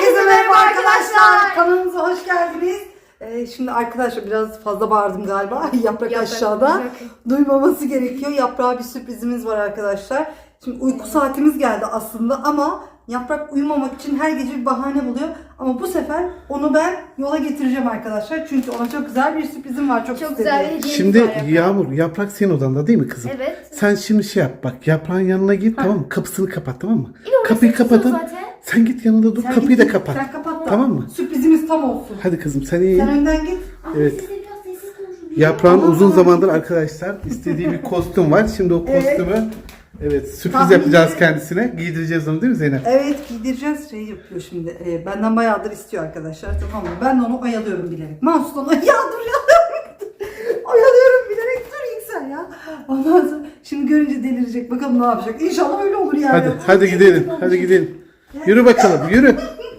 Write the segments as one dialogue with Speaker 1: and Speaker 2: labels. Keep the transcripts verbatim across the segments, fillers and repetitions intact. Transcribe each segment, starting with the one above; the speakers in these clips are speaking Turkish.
Speaker 1: Herkese merhaba arkadaşlar. Kanalımıza hoş geldiniz. Ee, şimdi arkadaşlar biraz fazla bağırdım galiba. Yaprak, Yaprak aşağıda. Yaprak. Duymaması gerekiyor. Yaprağa bir sürprizimiz var arkadaşlar. Şimdi uyku saatimiz geldi aslında ama Yaprak uyumamak için her gece bir bahane buluyor. Ama bu sefer onu ben yola getireceğim arkadaşlar. Çünkü ona çok güzel bir sürprizim var. Çok,
Speaker 2: çok güzel bir hediyemiz
Speaker 3: Şimdi
Speaker 2: var Yaprak.
Speaker 3: Yağmur, Yaprak senin odanda değil mi kızım?
Speaker 2: Evet.
Speaker 3: Sen şimdi şey yap bak, Yaprağın yanına git, tamam mı? Kapısını kapat, tamam mı?
Speaker 2: İyi, orası
Speaker 3: Kapıyı kapatalım.
Speaker 2: zaten.
Speaker 3: Sen git yanında dur,
Speaker 1: Sen
Speaker 3: kapıyı
Speaker 1: git,
Speaker 3: da kapat.
Speaker 1: Sen kapat da.
Speaker 3: Tamam mı?
Speaker 1: Sürprizimiz tam olsun.
Speaker 3: Hadi kızım sen iyi.
Speaker 1: Sen önden git.
Speaker 3: Evet.
Speaker 2: Siz de biraz sessiz konuşun.
Speaker 3: Yaprağın
Speaker 1: Aa.
Speaker 3: uzun zamandır arkadaşlar istediği bir kostüm var. Şimdi o
Speaker 1: Evet.
Speaker 3: kostümü evet sürpriz
Speaker 1: Tahmin
Speaker 3: yapacağız
Speaker 1: et.
Speaker 3: kendisine. Giydireceğiz onu değil mi Zeynep?
Speaker 1: Evet giydireceğiz. Şey yapıyor şimdi. E, benden bayağıdır istiyor arkadaşlar, tamam mı? Ben de onu oyalıyorum bilerek. Mahsus'tan ya dur ya. Oyalıyorum bilerek, dur Yüksel ya. Ondan sonra şimdi görünce delirecek. Bakalım ne yapacak. İnşallah öyle olur yani.
Speaker 3: Hadi hadi gidelim. Hadi gidelim. Yürü bakalım, yürü.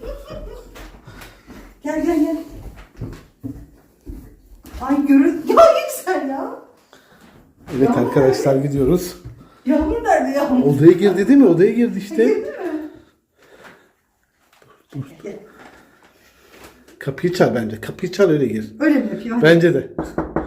Speaker 1: Gel gel gel. Ay görün. Ya Yüksel ya.
Speaker 3: Evet arkadaşlar gidiyoruz.
Speaker 1: Yağmur nerede Yağmur?
Speaker 3: Odaya girdi değil mi? Odaya girdi işte.
Speaker 1: Girdi mi?
Speaker 3: Dur dur. Kapıyı çal bence. Kapıyı çal öyle gir.
Speaker 1: Öyle mi yapıyor?
Speaker 3: Bence de.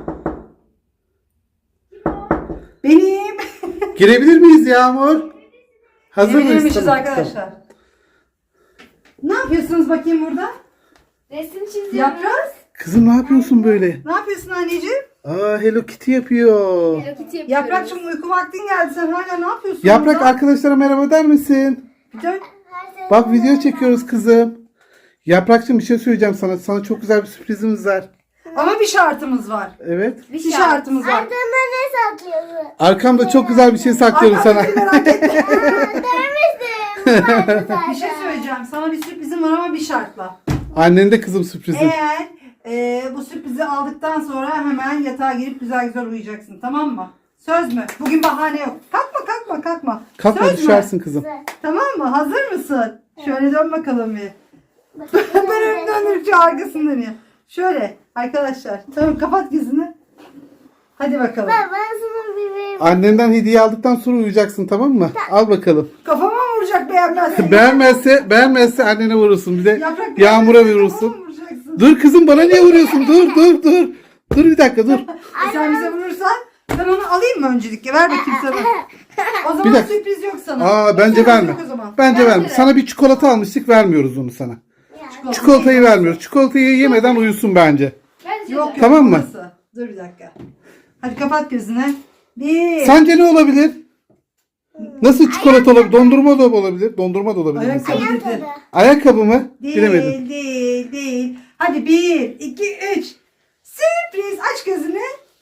Speaker 1: Benim.
Speaker 3: Girebilir miyiz Yağmur? Hazır mıyız?
Speaker 1: Girebilirmişiz
Speaker 3: Tamam,
Speaker 1: arkadaşlar.
Speaker 3: tamam.
Speaker 1: Ne yapıyorsunuz bakayım burada?
Speaker 2: Resim çiziyoruz.
Speaker 1: Yaprak.
Speaker 3: Kızım ne yapıyorsun böyle?
Speaker 1: Ne yapıyorsun anneciğim?
Speaker 3: Aa Hello Kitty yapıyor.
Speaker 2: Hello Kitty yapıyoruz.
Speaker 1: Yaprakçım uyku vaktin geldi, sen hala ne yapıyorsun?
Speaker 3: Yaprak
Speaker 1: burada?
Speaker 3: arkadaşlara merhaba der misin?
Speaker 1: Bir dön.
Speaker 3: Bak video çekiyoruz kızım. Yaprakçım bir şey söyleyeceğim sana. Sana çok güzel bir sürprizimiz var.
Speaker 1: Ama bir şartımız var.
Speaker 3: Evet.
Speaker 1: Bir şartımız var.
Speaker 4: Ardında ne saklıyorsun?
Speaker 3: Arkamda çok güzel bir şey saklıyorum sana.
Speaker 1: Arkadaşım merak etme.
Speaker 4: Demiştim.
Speaker 1: Bir şey söyleyeceğim. Sana bir sürprizim var ama bir şartla.
Speaker 3: Annen de kızım sürprizi.
Speaker 1: Eğer e, bu sürprizi aldıktan sonra hemen yatağa girip güzel güzel uyuyacaksın, tamam mı? Söz mü? Bugün bahane yok. Kalkma kalkma kalkma.
Speaker 3: Kalkma
Speaker 1: Söz mü?
Speaker 3: düşersin kızım.
Speaker 1: Tamam mı? Hazır mısın? Şöyle dön bakalım bir. Ben önümden dönüp arkasını dönüyor. Şöyle arkadaşlar. Tamam, kapat gözünü. Hadi bakalım.
Speaker 4: Ben, ben sana bir vereyim.
Speaker 3: Annenden hediye aldıktan sonra uyuyacaksın, tamam mı? Al bakalım.
Speaker 1: Kafama mı vuracak beğenmezsen?
Speaker 3: Beğenmezse, beğenmezse annene vurursun. Bir de
Speaker 1: Yaprak
Speaker 3: Yağmur'a
Speaker 1: beğenmezsen
Speaker 3: vurursun.
Speaker 1: kafama mı vuracaksın?
Speaker 3: Dur kızım bana niye vuruyorsun? Dur dur dur. Dur bir dakika dur.
Speaker 1: E sen bize vurursan ben onu alayım mı öncelikle? Ver bakayım sana. O
Speaker 3: Bir
Speaker 1: zaman
Speaker 3: dakika.
Speaker 1: sürpriz yok sana.
Speaker 3: Aa bence
Speaker 1: Sürpriz
Speaker 3: verme.
Speaker 1: yok o zaman.
Speaker 3: Bence
Speaker 1: Bence
Speaker 3: verme.
Speaker 1: de.
Speaker 3: Sana bir çikolata almıştık, vermiyoruz onu sana.
Speaker 1: Çikolata.
Speaker 3: Çikolatayı vermiyoruz. Çikolatayı yemeden uyusun bence.
Speaker 2: Bence
Speaker 1: Yok
Speaker 2: de.
Speaker 1: yok.
Speaker 3: Tamam mı?
Speaker 1: burası. Dur bir dakika. Hadi kapat gözünü. Bir.
Speaker 3: Sence ne olabilir? Nasıl çikolata olabilir? Dondurma da olabilir. Dondurma da olabilir.
Speaker 1: Ayakkabı
Speaker 3: mesela.
Speaker 1: dedi.
Speaker 3: Ayakkabı mı?
Speaker 1: Değil,
Speaker 3: Bilemedim.
Speaker 1: değil, değil. Hadi bir, iki, üç. Sürpriz. Aç gözünü.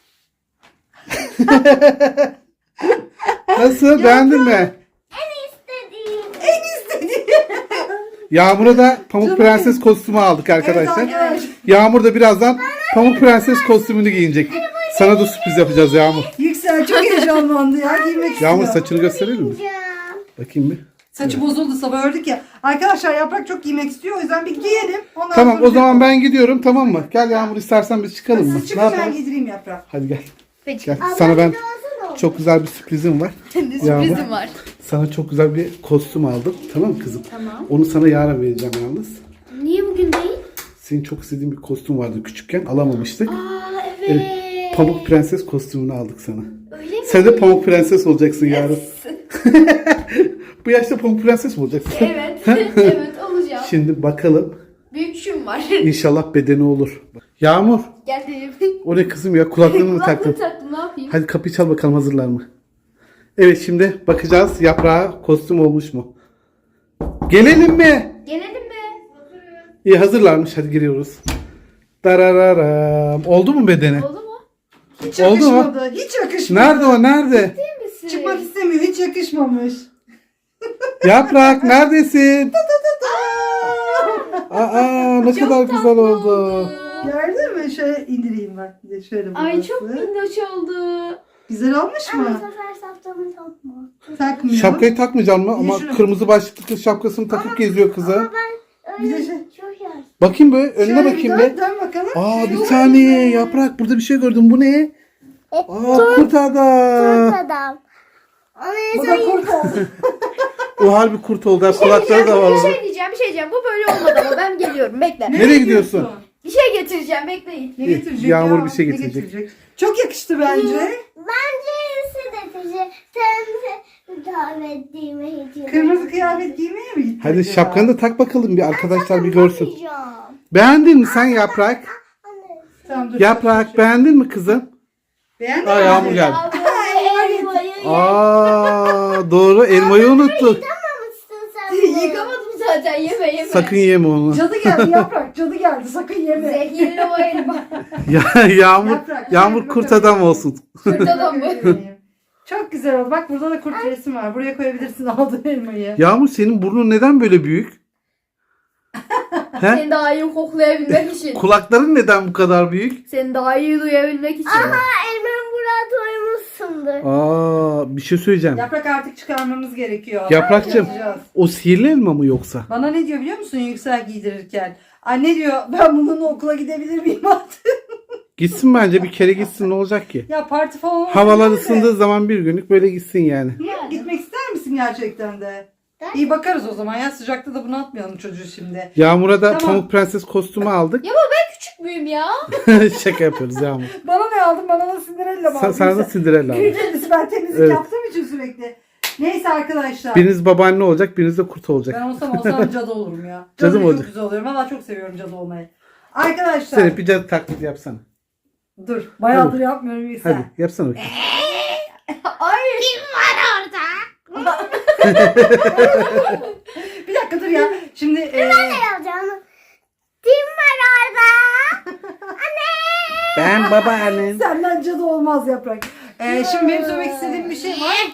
Speaker 3: Nasıl? Beğendin mi?
Speaker 4: İstediğim.
Speaker 1: En istediğim.
Speaker 3: Yağmur'a da Pamuk Prenses kostümü aldık arkadaşlar.
Speaker 1: Evet arkadaşlar.
Speaker 3: Yağmur da birazdan Pamuk Prenses kostümünü giyinecek. Sana da sürpriz yapacağız Yağmur.
Speaker 1: Yüksel çok heyecanlandı ya. Giymek istiyor.
Speaker 3: Yağmur saçını gösterelim mi? Bakayım bir.
Speaker 1: Saçı bozuldu, sabah ördük ya. Arkadaşlar Yaprak çok giymek istiyor. O yüzden bir giyelim. Ondan
Speaker 3: Tamam
Speaker 1: sonra
Speaker 3: o zaman ben gidiyorum, tamam mı? Gel Yağmur, istersen biz çıkalım mı?
Speaker 1: Siz
Speaker 3: Ne
Speaker 1: çıkın, ben
Speaker 3: yapalım?
Speaker 1: giydireyim Yaprak.
Speaker 3: Hadi gel.
Speaker 2: Peki.
Speaker 3: Gel. Sana ben çok güzel bir sürprizim var. Yağmur.
Speaker 2: Sürprizim var.
Speaker 3: Sana çok güzel bir kostüm aldım. Tamam mı kızım?
Speaker 2: Tamam.
Speaker 3: Onu sana yarın vereceğim yalnız.
Speaker 2: Niye bugün değil?
Speaker 3: Senin çok istediğin bir kostüm vardı küçükken, alamamıştık.
Speaker 2: Aa evet.
Speaker 3: Pamuk Prenses kostümünü aldık sana.
Speaker 2: Öyle mi?
Speaker 3: Sen de Pamuk Prenses olacaksın yarın.
Speaker 2: Yes.
Speaker 3: Bu yaşta Pamuk Prenses mi olacaksın?
Speaker 2: Evet. Evet olacağım.
Speaker 3: Şimdi bakalım.
Speaker 2: Büyükşüm var.
Speaker 3: İnşallah bedeni olur. Yağmur.
Speaker 2: Geldim.
Speaker 3: O ne kızım ya, kulaklığını mı taktın?
Speaker 2: Kulaklığı taktım, ne yapayım?
Speaker 3: Hadi kapıyı çal bakalım, hazırlar mı? Evet şimdi bakacağız Yaprağa kostüm olmuş mu? Gelelim mi?
Speaker 2: Gelelim mi?
Speaker 3: İyi hazırlarmış, hadi giriyoruz. Darararam. Oldu mu bedeni?
Speaker 2: Oldu mu?
Speaker 1: Hiç
Speaker 3: Oldu mu?
Speaker 1: yakışmadı. Hiç yakışmadı.
Speaker 3: Nerede o, nerede?
Speaker 2: Değil misin?
Speaker 1: Çıkmak istemiyor. Hiç yakışmamış.
Speaker 3: Yaprak neredesin? Aa ne
Speaker 2: Çok
Speaker 3: kadar
Speaker 2: tatlı
Speaker 3: güzel oldu.
Speaker 1: Gördün mü? Şöyle indireyim ben. Bir de şöyle
Speaker 2: Ay
Speaker 1: burası.
Speaker 2: çok minnoş oldu.
Speaker 1: Güzel olmuş
Speaker 4: Ama bu
Speaker 1: mu?
Speaker 4: sefer saftamı takma.
Speaker 1: Takmıyor.
Speaker 3: Şapkayı takmayacağım mı?
Speaker 1: Bir de
Speaker 3: Ama
Speaker 1: şunu-
Speaker 3: kırmızı başlıklı kız şapkasını takıp geziyor kızı.
Speaker 4: Ama ben
Speaker 1: Bir de
Speaker 4: öyle
Speaker 1: şey-
Speaker 4: çok yaş.
Speaker 3: Bakayım be, önüne
Speaker 1: Şöyle
Speaker 3: bakayım
Speaker 1: bir
Speaker 3: be.
Speaker 1: dön, dön bakalım.
Speaker 3: Aa
Speaker 1: Şöyle
Speaker 3: bir
Speaker 1: dön.
Speaker 3: saniye Yaprak, burada bir şey gördüm. Bu ne? Aa kurt adam.
Speaker 4: Kurt adam. Onu
Speaker 1: Bu da kurt oldu.
Speaker 3: O harbi kurt oldu. Kulakları da var.
Speaker 2: Bir
Speaker 3: orada.
Speaker 2: şey diyeceğim, bir şey diyeceğim. Bu böyle olmadı ama ben geliyorum. Bekle.
Speaker 3: Nereye gidiyorsun?
Speaker 2: Bir şey getireceğim, bekleyin.
Speaker 1: Ne getirecek
Speaker 3: Yağmur
Speaker 1: ya?
Speaker 3: bir şey
Speaker 1: Ne
Speaker 3: getirecek.
Speaker 1: Çok yakıştı bence.
Speaker 4: Bence iyisi de teşekkür. Sen de davetliğime hediye.
Speaker 1: Kırmızı kıyafet giymeye mi gittin?
Speaker 3: Hadi
Speaker 1: acaba?
Speaker 3: şapkanı da tak bakalım bir arkadaşlar bir görsün.
Speaker 4: Yapacağım.
Speaker 3: Beğendin mi sen Yaprak?
Speaker 4: Anne.
Speaker 1: Tamam, dur.
Speaker 3: Yaprak beğendin mi kızım?
Speaker 1: Beğendin
Speaker 3: Aa,
Speaker 1: mi?
Speaker 3: Yağmur geldi.
Speaker 4: Elmayı
Speaker 3: Aa doğru elmayı unuttuk.
Speaker 4: yıkamamışsın sen bunu.
Speaker 2: Yıkamadım zaten, yeme yeme.
Speaker 3: Sakın yeme onu.
Speaker 1: Cadı geldi Yaprak. Cadı geldi. Sakın yeme.
Speaker 2: Zehirli o elma.
Speaker 3: Ya, yağmur
Speaker 1: Yaprak,
Speaker 3: yağmur
Speaker 1: şöyle
Speaker 3: kurt
Speaker 1: bakabilir
Speaker 3: adam
Speaker 1: miyim?
Speaker 3: olsun.
Speaker 2: Kurt adam bu.
Speaker 1: Çok güzel oldu. Bak burada da kurt resim var. Buraya koyabilirsin aldığın elmayı.
Speaker 3: Yağmur senin burnun neden böyle büyük? He?
Speaker 2: Seni daha iyi koklayabilmek için.
Speaker 3: Kulakların neden bu kadar büyük?
Speaker 2: Seni daha iyi duyabilmek için.
Speaker 4: Aha elmanı buraya doymuşsundur.
Speaker 3: Aa bir şey söyleyeceğim.
Speaker 1: Yaprak artık çıkarmamız gerekiyor.
Speaker 3: Yaprakçığım
Speaker 1: Yapacağız.
Speaker 3: o sihirli elma mı yoksa?
Speaker 1: Bana ne diyor biliyor musun Yüksel giydirirken? Anne diyor ben bununla okula gidebilir miyim artık?
Speaker 3: Gitsin bence bir kere gitsin ne olacak ki?
Speaker 1: Ya parti falan olmaz
Speaker 3: Havalar
Speaker 1: değil mi?
Speaker 3: ısındığı zaman bir günlük böyle gitsin yani.
Speaker 1: Hı, Gitmek ister misin gerçekten de? İyi bakarız o zaman ya sıcakta da bunu atmayalım çocuğu şimdi.
Speaker 3: Yağmur'a da
Speaker 1: Tamam.
Speaker 3: Pamuk Prenses kostümü aldık.
Speaker 2: Ya baba ben küçük müyüm ya?
Speaker 3: Şaka yapıyoruz Yağmur.
Speaker 1: Bana ne aldın? Bana da Cinderella mı
Speaker 3: Sen,
Speaker 1: aldın?
Speaker 3: sana da Cinderella aldık.
Speaker 1: Birincisi ben temizlik
Speaker 3: Evet.
Speaker 1: yaptığım için sürekli. Neyse arkadaşlar.
Speaker 3: Biriniz babaanne olacak, biriniz de kurt olacak.
Speaker 1: Ben olsam olsam cadı olurum ya.
Speaker 3: Cadı
Speaker 1: Cadı
Speaker 3: mı
Speaker 1: çok
Speaker 3: olacak?
Speaker 1: güzel oluyorum. Valla çok seviyorum cadı olmayı. Arkadaşlar.
Speaker 3: Sen hep bir cadı taklidi yapsana.
Speaker 1: Dur. Bayağıdır
Speaker 3: Hadi.
Speaker 1: yapmıyorum Yüksel.
Speaker 3: Hadi yapsana bakayım.
Speaker 2: Ay.
Speaker 1: Bir dakika dur ya. Şimdi e,
Speaker 4: Ne yapacağım? Kim var orada?
Speaker 3: Ben babaannen.
Speaker 1: senden cadı olmaz Yaprak. E, şimdi benim söylemek istediğim bir şey var.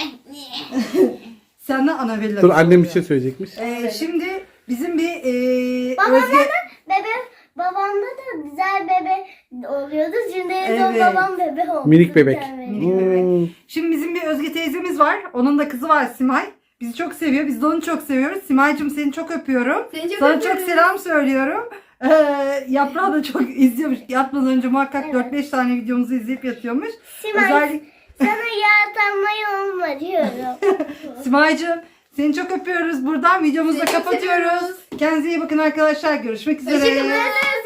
Speaker 1: Senden Annabella.
Speaker 3: Dur annem bir şey söyleyecekmiş.
Speaker 1: E, şimdi bizim bir e,
Speaker 4: Babamda
Speaker 1: Özge...
Speaker 4: da bebe, babamda da güzel bebe oluyordu. Şimdi
Speaker 1: Evet.
Speaker 4: evet. babam bebe oldu.
Speaker 3: Minik bebek.
Speaker 4: Evet.
Speaker 1: Minik bebek.
Speaker 3: Hmm.
Speaker 1: Şimdi bizim bir Özge teyzemiz var. Onun da kızı var Simay. Bizi çok seviyor. Biz de onu çok seviyoruz. Simay'cığım seni çok öpüyorum.
Speaker 2: Seni çok
Speaker 1: Sana
Speaker 2: öpüyorum.
Speaker 1: çok selam söylüyorum. Ee, Yaprağı da çok izliyormuş. Yatmadan önce muhakkak
Speaker 4: Evet.
Speaker 1: dört beş tane videomuzu izleyip yatıyormuş.
Speaker 4: Simay,
Speaker 1: Özellikle
Speaker 4: sana yağdanmayı olma diyorum.
Speaker 1: Simay'cığım seni çok öpüyoruz. Buradan videomuzu da
Speaker 2: Seni çok
Speaker 1: kapatıyoruz.
Speaker 2: seviyoruz.
Speaker 1: Kendinize iyi bakın arkadaşlar. Görüşmek üzere.
Speaker 2: Hoşçakalın.